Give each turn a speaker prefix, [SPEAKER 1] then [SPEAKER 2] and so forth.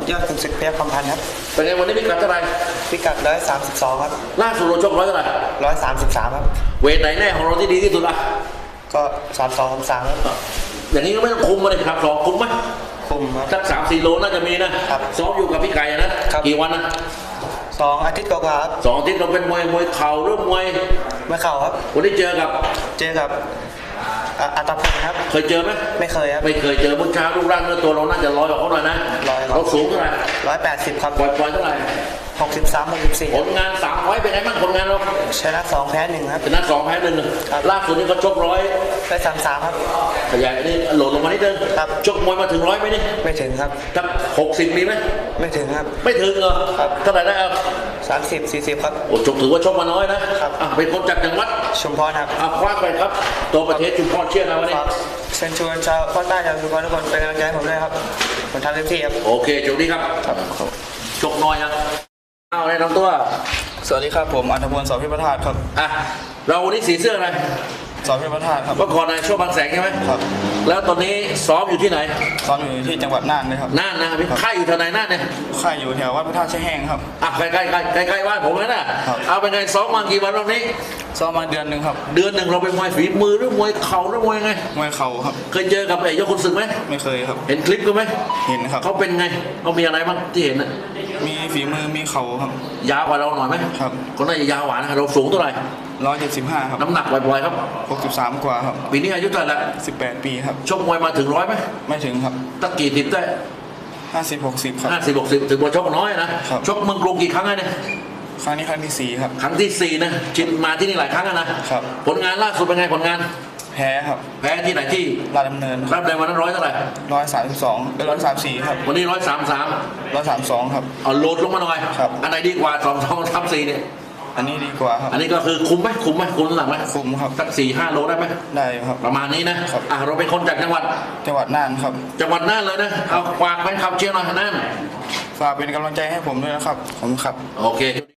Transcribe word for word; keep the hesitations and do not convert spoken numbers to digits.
[SPEAKER 1] ยอดขุนศึกเพชรคำพันธ์ครับ
[SPEAKER 2] เป็นไงวันนี้พิกัดเท่าไหร่
[SPEAKER 1] พิกัดร้อยสามสิบสองครับ
[SPEAKER 2] ล่าสุดเราชกร้อยเท่าไหร่
[SPEAKER 1] ร้อยสามสิบสามครับ
[SPEAKER 2] เวทไหนแน่ของเราที่ดีที่สุดอ่ะ
[SPEAKER 1] ก็สามสองสามสามครับ
[SPEAKER 2] อย่างนี้ก็ไม่ต้องคุมมาเลยครับสองคุมไหม
[SPEAKER 1] คุมครับ
[SPEAKER 2] สักสามสี่โลน่าจะมีนะครับซ้อมอยู่กับพี่ไก่นะกี่วันนะ
[SPEAKER 1] สองอาทิตย์กว่าครับ
[SPEAKER 2] สองอาทิตย์เราเป็นมวยมวยเข่าหรือมวย
[SPEAKER 1] ไม่เข่าครับ
[SPEAKER 2] วันนี้เจอกับ
[SPEAKER 1] เจอกับอัตพลครับ
[SPEAKER 2] เคยเจอไหม
[SPEAKER 1] ไม่เคยครับ
[SPEAKER 2] ไม่เคยเจอเมื่อเช้ารูปร่างเนื้อตัวเราน่าจะร้อยกว่าเขาหน่อยนะเราสูงเท่าไหร่
[SPEAKER 1] ร้อยแปดสิบครับ
[SPEAKER 2] ปล่อยปล่อยเท่าไหร่
[SPEAKER 1] หกสิบสามหกสิบสี่
[SPEAKER 2] ผลงานสามร้อยเป็นไงบ้างผลงานเรา
[SPEAKER 1] ชนะสองแพ้หนึ่งครับ
[SPEAKER 2] ชนะสองแพ้หนึ่งล่าสุดนี้เขาชกร้อย
[SPEAKER 1] ได้สามสามครับ
[SPEAKER 2] ขยายนี่โหลดลงมานิดนึง
[SPEAKER 1] ครับ
[SPEAKER 2] ชกมวยมาถึงร้อยไหมนี่
[SPEAKER 1] ไม่ถึงครับ
[SPEAKER 2] ถ้าหกสิบมีไหม
[SPEAKER 1] ไม่ถึงครับ
[SPEAKER 2] ไม่ถึงเหรอ
[SPEAKER 1] ครับ
[SPEAKER 2] เท่าไหร่ได้เอา
[SPEAKER 1] สามสิบสี่สิบครับ
[SPEAKER 2] โอ้ชกถือว่าชกมาน้อยนะครับอ่ะเป็นคนจากจังหวัด
[SPEAKER 1] ชุมพรครับ
[SPEAKER 2] อ่ะคว้าไปครับตัวประเทศชุมพรเชียร์นะวันนี้
[SPEAKER 1] เชิญชวนชาวภาคใต้ชาวชุมพรทุกคนเป็นกำลังใจให้ผมด้วยครับผมทำเต็มที่ครับ
[SPEAKER 2] โอเคโชคดีครับชกน้อยยังเอาเลยน้องตัว
[SPEAKER 1] สวัสดีครับผมอัธพล สพิประธานครับ
[SPEAKER 2] อ่ะเราวันนี้สีเสื้ออะไร
[SPEAKER 1] สพิประธานครับ
[SPEAKER 2] เมื่อก่อนนายช่วบางแสงใช่ไหม
[SPEAKER 1] ครับ
[SPEAKER 2] แล้วตอนนี้ซ้อมอยู่ที่ไหน
[SPEAKER 1] ซ้อมอยู่ที่จังหวัดน่านเลยครับ
[SPEAKER 2] น่านนะพี่ค่ายอยู่แถวไหนน่านเนี่ย
[SPEAKER 1] ค่ายอยู่แถววัดพระธาตุแช่แห้งครับ
[SPEAKER 2] อ่ะใกล้ใกล้ใกล้ใกล้ใกล้บ้านผมเลยนะเอาเป็นไงซ้อมมากี่วันรอบนี้
[SPEAKER 1] ซ้อมมาเดือนหนึ่งครับ
[SPEAKER 2] เดือนหนึ่งเราเป็นมวยฝีมือหรือมวยเข่าหรือมวยไง
[SPEAKER 1] มวยเข่าครับ
[SPEAKER 2] เคยเจอกับไอ้ยกขุนศึกไหม
[SPEAKER 1] ไม่เคยครับ
[SPEAKER 2] เห็นคลิปกันไหม
[SPEAKER 1] เห็นครับ
[SPEAKER 2] เขาเป็นไงเขามีอะไรบ้างที่เห็นนะ
[SPEAKER 1] มีฝีมือมีเข่าครับ
[SPEAKER 2] ยาวกว่าเราหน่อยไหม
[SPEAKER 1] ครับ
[SPEAKER 2] คนน่าจะยาวกว่านะเราสูงเท่าไหร่
[SPEAKER 1] ร้อยเจ็ดสิบห้าครับ
[SPEAKER 2] น้ำหนักบ่อยๆครับ
[SPEAKER 1] หกสิบสามกว่าครับ
[SPEAKER 2] ปีนี้อายุเท่าไหร่ละ
[SPEAKER 1] สิบแปดปีครับ
[SPEAKER 2] ชกมวยมาถึงร้อยไหม
[SPEAKER 1] ไม่ถึงครับ
[SPEAKER 2] ตะกี่สิบได้
[SPEAKER 1] ห้าสิบหกสิบครับ
[SPEAKER 2] ห้าสิบหกสิบถือว่าชกน้อยนะชกเมืองกรุงกี่ครั้งเนี่ย
[SPEAKER 1] ครั้งนี้ครั้งที่สี่ครับ
[SPEAKER 2] ครั้งที่สี่นะชินมาที่นี่หลายครั้งนะครับผลงานล่าสุดเป็นไงผลงาน
[SPEAKER 1] แพ้ครับ
[SPEAKER 2] แพ้ที่ไหนที่
[SPEAKER 1] ราชดำเนิน
[SPEAKER 2] ราชดำเนินวันนั้นร้อยเท่าไหร่
[SPEAKER 1] ร้อยสามสิบสองเป็นร้อยสามสี่ครับ
[SPEAKER 2] วันนี้ร้อยสามสาม
[SPEAKER 1] ร้อยสามสองครับ
[SPEAKER 2] เอาโหลดลงมาหน่อย
[SPEAKER 1] ครับ
[SPEAKER 2] อันไหนดีกว่าสองสองสามสี่เนี่ย
[SPEAKER 1] อันนี้ดีกว่าครับ
[SPEAKER 2] อันนี้ก็คือคุมไหมคุมไหมคุมน้ำหนักไหม
[SPEAKER 1] คุมครับ
[SPEAKER 2] สักสี่ห้าโลได้ไหม
[SPEAKER 1] ได้ครับ
[SPEAKER 2] ประมาณนี้นะครับอ่ะเราเป็นคนจากจังหวัด
[SPEAKER 1] จังหวัดน่านครับ
[SPEAKER 2] จังหวัดน่านเลยนะเอาฝากแฟนคลับเชียร์หน่อยน่าน
[SPEAKER 1] ฝากเป็นกำลังใจให้ผมด้วยนะครับผมครับ
[SPEAKER 2] โอเค